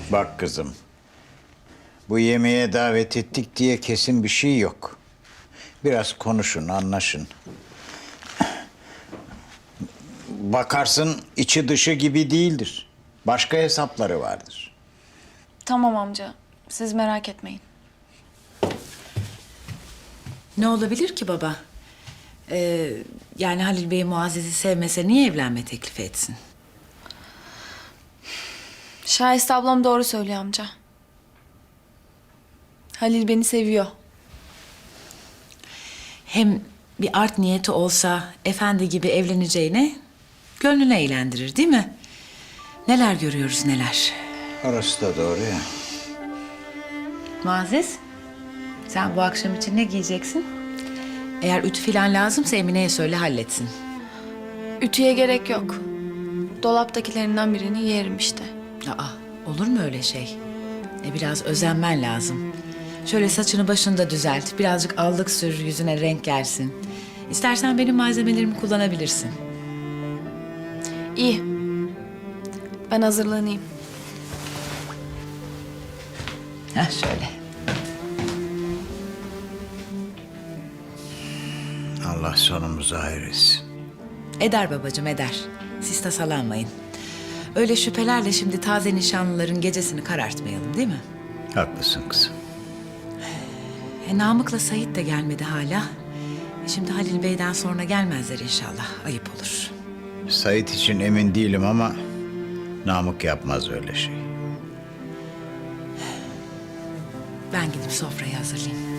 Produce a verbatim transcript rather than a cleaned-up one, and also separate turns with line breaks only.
Bak kızım, bu yemeğe davet ettik diye kesin bir şey yok. Biraz konuşun, anlaşın. Bakarsın içi dışı gibi değildir. Başka hesapları vardır.
Tamam amca. Siz merak etmeyin.
Ne olabilir ki baba? Ee, yani Halil Bey Muazzez'i sevmese niye evlenme teklifi etsin?
Şahiste ablam doğru söylüyor amca. Halil beni seviyor.
Hem bir art niyeti olsa efendi gibi evleneceğine gönlünü eğlendirir değil mi? Neler görüyoruz neler.
Orası da doğru ya.
Muazzez, sen bu akşam için ne giyeceksin? Eğer ütü falan lazımsa Emine'ye söyle halletsin.
Ütüye gerek yok. Dolaptakilerinden birini yerim işte.
Aa, olur mu öyle şey? E biraz özenmen lazım. Şöyle saçını başını da düzelt, birazcık allık sür, yüzüne renk gelsin. İstersen benim malzemelerimi kullanabilirsin.
İyi. Ben hazırlanayım.
Ha şöyle.
Allah sonumuzu hayır etsin.
Eder babacığım eder. Siz tasalanmayın. Öyle şüphelerle şimdi taze nişanlıların gecesini karartmayalım değil mi?
Haklısın kızım.
E, Namık'la Sait de gelmedi hala. E, şimdi Halil Bey'den sonra gelmezler inşallah. Ayıp olur.
Sait için emin değilim ama Namık yapmaz öyle şey.
Ben gidip sofrayı hazırlayayım.